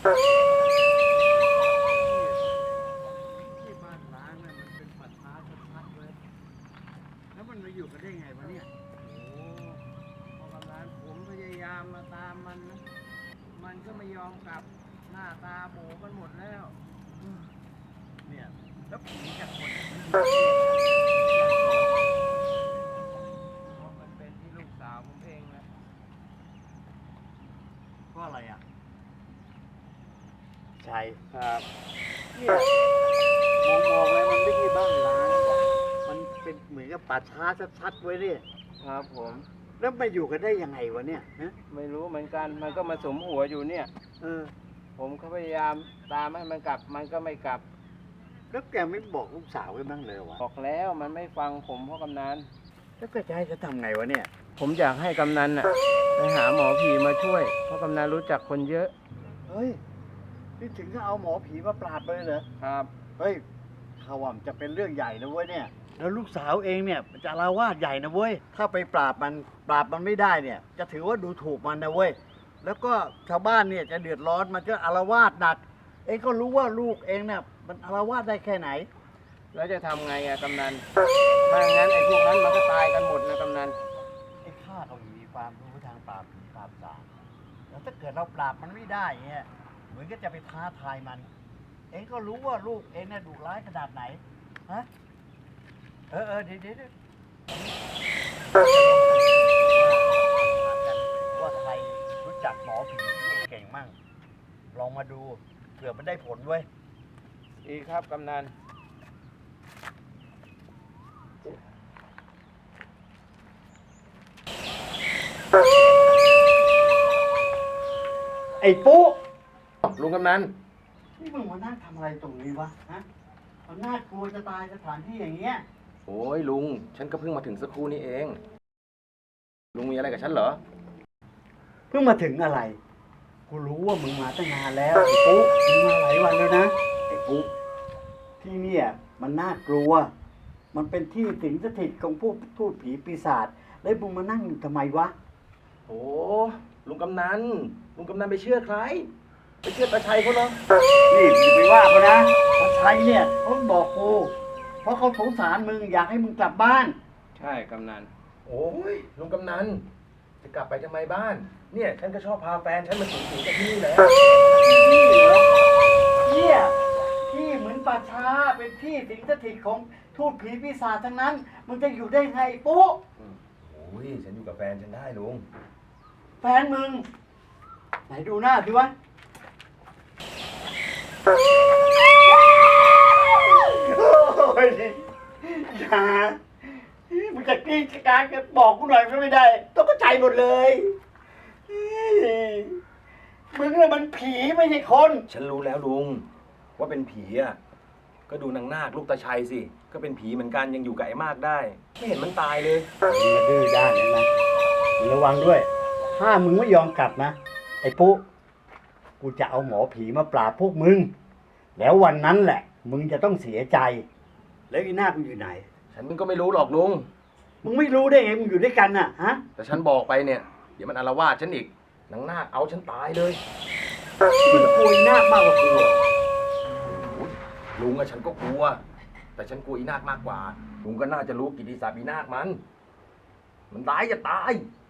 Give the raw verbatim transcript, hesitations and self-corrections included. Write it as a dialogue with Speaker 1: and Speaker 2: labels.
Speaker 1: ที่บ้านล้างเนี่ยมันเป็นป่าช้าชัดๆเลยแล้วมันมาอยู่กันได้ไงวะเนี่ยโอ้พอกำลังผมพยายามมาตามมันนะมันก็ไม่ยอมกลับหน้าตาโบกันหมดแล้วเนี่ยแล้วผีจากคนเพราะมันเป็นที่ลูกสาวผมเองนะก็อะไรอ่ะใช่ครับเนี่ยมองมองแล้วมันไม่ใช่บ้านล้างมันเป็นเหมือนกับป่าช้าชัดๆไว้เนี่ยครับผมแล้วมาอยู่กันได้ยังไงวะเนี่ยนะไม่รู้เหมือนกันมันก็มาสมหัวอยู่เนี่ยเออผมก็พยายามตามให้มันกลับมันก็ไม่กลับแล้วแกไม่บอกลูกสาวไว้บ้างเลยวะบอกแล้วมันไม่ฟังผมเพราะกำนันแล้วก็จะให้จะทำไงวะเนี่ยผมอยากให้กำนันน่ะไปหาหมอผีมาช่วยเพราะกำนันรู้จักคนเยอะเฮ้ยนี่ถึงก็เอาหมอผีมาปราบเลยเหรอครับเฮ้ยข่าวว่ามันจะเป็นเรื่องใหญ่นะเว้ยเนี่ยแล้วลูกสาวเองเนี่ยจะอาละวาดใหญ่นะเว้ยถ้าไปปราบมันปราบมันไม่ได้เนี่ยจะถือว่าดูถูกมันนะเว้ยแล้วก็ชาวบ้านเนี่ยจะเดือดร้อนมันจะอาละวาดหนักเองก็รู้ว่าลูกเองเนี่ยมันอาละวาดได้แค่ไหนแล้วจะทำไงอะกำนันถ้างั้นไอ้พวกนั้นมันก็ตายกันหมดนะกำนันไอ้ข้าก็มีความรู้ทางปราบผีปราบสางแล้วถ้าเกิดเราปราบมันไม่ได้เนี่ยเหมือนก็จะไปท้าทายมันเองก็รู้ว่าลูกเองเนี่ยดุร้ายขนาดไหนฮะเออเออเดี๋ยวเดี๋ยวว่าใครรู้จักหมอผีเก่งมั่งลองมาดูเผื่อมันได้ผลเว้ยดีครับกำนันไอ้ปุ๊
Speaker 2: ลุงกำนัน
Speaker 1: นี่มึงมานั่งทำอะไรตรงนี้วะฮะมันน่ากลัวจะตายสถานที่อย่างเงี้ย
Speaker 2: โอ้ยลุงฉันก็เพิ่งมาถึงสักครู่นี้เองลุงมีอะไรกับฉันเหรอ
Speaker 1: เพิ่งมาถึงอะไรกูรู้ว่ามึงมาตั้งนานแล้วไอ้ปุ๊มึงมาหลายวันแล้วนะไอ้ปุ๊ที่เนี่ยมันน่ากลัวมันเป็นที่สิงสถิตของพวกทูตผีปีศาจแล้วมึงมานั่งอยู่ทำไมวะ
Speaker 2: โอ้ลุงกำนันลุงกำนันไปเชื่อใครไปเชื่อตาชัยเขาเหรอ
Speaker 1: นี่อย่าไปว่าเขานะตาชัยเนี่ยเขาบอกกูเพราะเขาสงสารมึงอยากให้มึงกลับบ้านใช่กำนัน
Speaker 2: โอ้ยลุงกำนันจะกลับไปทำไมบ้านเนี่ยฉันก็ชอบพาแฟนฉันมาสูงสูงจากที่นี่แหละ
Speaker 1: ที่เหรอเนี่ยที่เหมือนป่าช้าเป็นที่สิงสถิตของทูตผีปีศาจทั้งนั้นมึงจะอยู่ได้ไงปุ๊
Speaker 2: โอ้ยฉันอยู่กับแฟนฉันได้ลุง
Speaker 1: แฟนมึงไหนดูหน้าสิวะโอ้ยอย่ามึงจะกรีดจะการจะบอกกูหน่อยก็ไม่ได้ต้องเข้าใจหมดเลยมึงเนี่ยมันผีไม่ใช่คน
Speaker 2: ฉันรู้แล้วลุงว่าเป็นผีอ่ะก็ดูนางนาคลูกตาชัยสิก็เป็นผีเหมือนกันยังอยู่กับไอ้มากได้ไม่เห็นมันตายเลย
Speaker 1: มึงดื้อด้านเลยนะมึงระวังด้วยถ้ามึงไม่ยอมกลับนะไอ้ปุ๊กูจะเอาหมอผีมาปราบพวกมึงแล้ววันนั้นแหละมึงจะต้องเสียใจแล้วอีนาคมึงอยู่ไหน
Speaker 2: ฉันก็ไม่รู้หรอกลุง
Speaker 1: มึงไม่รู้ได้ไงมึงอยู่ด้วยกันน่ะฮะ
Speaker 2: แต่ฉันบอกไปเนี่ยเดี๋ยวมันอาละวาดฉันอีกนางนาคเอาฉันตายเลย
Speaker 1: มึงกลัวอีนาคมากกว่ากู
Speaker 2: ลุงอะฉันก็กลัวแต่ฉันกลัวอีนาคมากกว่าลุงก็น่าจะรู้กิตติศัพท์อีนาคมันมันตายจะตาย